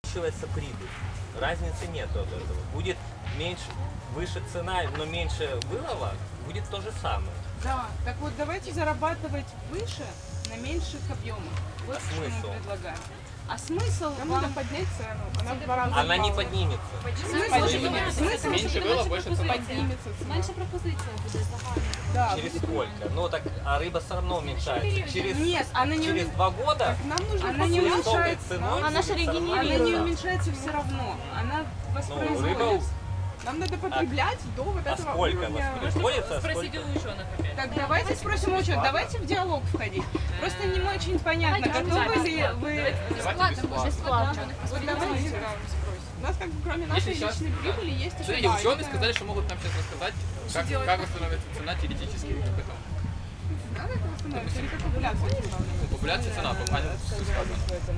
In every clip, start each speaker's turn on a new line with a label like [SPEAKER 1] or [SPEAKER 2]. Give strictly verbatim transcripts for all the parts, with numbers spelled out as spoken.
[SPEAKER 1] увеличивается прибыль. Разницы нет от этого. Будет меньше, выше цена, но меньше вылова, будет то же самое.
[SPEAKER 2] Да, так вот давайте зарабатывать выше на меньших объемах. Вот
[SPEAKER 1] А
[SPEAKER 2] что
[SPEAKER 1] смысл?
[SPEAKER 2] мы предлагаем. А смысл
[SPEAKER 3] Нам
[SPEAKER 2] вам...
[SPEAKER 3] надо поднять цену, она в два раза
[SPEAKER 1] Она не
[SPEAKER 3] упала.
[SPEAKER 1] поднимется.
[SPEAKER 2] Смысл, смысл
[SPEAKER 4] Меньше было, больше цена.
[SPEAKER 3] Поднимется цена.
[SPEAKER 5] Менше пропозиція буде загально.
[SPEAKER 3] Да,
[SPEAKER 1] Через
[SPEAKER 3] будет-
[SPEAKER 1] сколько? Ну так, а рыба все равно уменьшается. Через,
[SPEAKER 2] Нет, она не,
[SPEAKER 1] через
[SPEAKER 2] умен-
[SPEAKER 1] два года
[SPEAKER 3] Нам нужно
[SPEAKER 2] она не
[SPEAKER 1] с высокой
[SPEAKER 2] уменьшается.
[SPEAKER 1] ценой
[SPEAKER 5] Она
[SPEAKER 1] будет
[SPEAKER 5] же
[SPEAKER 1] всё равно
[SPEAKER 5] регенерируется.
[SPEAKER 2] Она не
[SPEAKER 1] уменьшаться.
[SPEAKER 2] уменьшается все равно. Она
[SPEAKER 1] Ну,
[SPEAKER 2] воспроизводится.
[SPEAKER 1] рыба,
[SPEAKER 3] Нам надо потреблять до вот
[SPEAKER 1] а
[SPEAKER 3] этого
[SPEAKER 1] сколько
[SPEAKER 3] уровня.
[SPEAKER 1] воспроизводится, а
[SPEAKER 6] Спросите
[SPEAKER 1] сколько?
[SPEAKER 6] у ученых опять.
[SPEAKER 2] Так давайте спросим учет, давайте в диалог входить. Просто не очень понятно,
[SPEAKER 5] Давайте
[SPEAKER 2] готовы ли
[SPEAKER 6] бесплатно.
[SPEAKER 2] вы...
[SPEAKER 4] Давайте бесплатно.
[SPEAKER 5] Бесплатно.
[SPEAKER 3] Вот давайте там спросим. У нас как бы кроме нашей
[SPEAKER 4] Если сейчас-
[SPEAKER 3] личной прибыли есть еще
[SPEAKER 4] Смотрите, ученые
[SPEAKER 3] важная-
[SPEAKER 4] сказали, что могут нам сейчас рассказать, как,
[SPEAKER 3] делать?
[SPEAKER 4] как восстановится цена теоретически. Как это?
[SPEAKER 3] Надо это восстановить? Или как популяция восстанавливается?
[SPEAKER 4] Ну, популяция цена, а не сказано.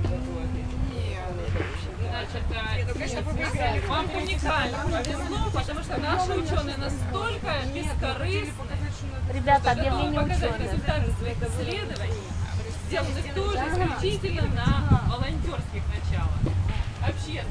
[SPEAKER 6] Значит, э, вам уникально повезло, потому что наши ученые настолько бескорыстны,
[SPEAKER 5] Ребята,
[SPEAKER 6] чтобы
[SPEAKER 5] объявление
[SPEAKER 6] показать
[SPEAKER 5] ученых.
[SPEAKER 6] результаты своих исследований, сделаны тоже исключительно на волонтерских началах. Вообще.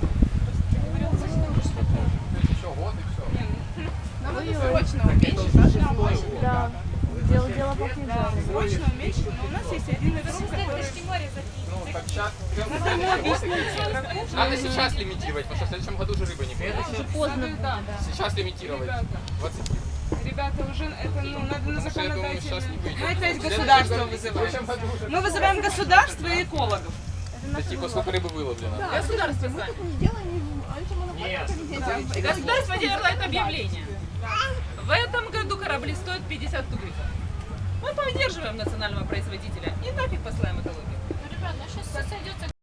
[SPEAKER 4] Еще год и все.
[SPEAKER 3] Нам надо срочно уменьшить наши площади.
[SPEAKER 5] Да. Дело, дело пахнет
[SPEAKER 2] Да,
[SPEAKER 5] жареным.
[SPEAKER 2] срочно уменьшить, но у нас есть один игрок, который...
[SPEAKER 4] Ну, так сейчас...
[SPEAKER 2] Надо ему объяснить игроку, что
[SPEAKER 4] Надо сейчас лимитировать, потому что в следующем году уже рыба не будет.
[SPEAKER 5] Уже поздно.
[SPEAKER 2] да.
[SPEAKER 4] Сейчас лимитировать. двадцать.
[SPEAKER 2] Ребята, уже это, ну, надо на
[SPEAKER 4] Потому что, я думаю, сейчас не
[SPEAKER 2] законодательную...
[SPEAKER 4] выйдет.
[SPEAKER 2] Мы опять
[SPEAKER 4] В следующем
[SPEAKER 2] государство
[SPEAKER 4] году- В
[SPEAKER 2] вызываем.
[SPEAKER 4] следующем году уже...
[SPEAKER 2] Мы вызываем государство и экологов.
[SPEAKER 4] Это типа сколько рыбы выловлено.
[SPEAKER 6] Государство
[SPEAKER 3] Мы
[SPEAKER 6] сами.
[SPEAKER 3] так не делаем антимонопольное комитете.
[SPEAKER 6] Государство делает объявление. В этом году корабли стоят пятьдесят тугриков. Мы поддерживаем национального производителя и нафиг посылаем экологию.
[SPEAKER 5] Ребят, ну сейчас все сойдется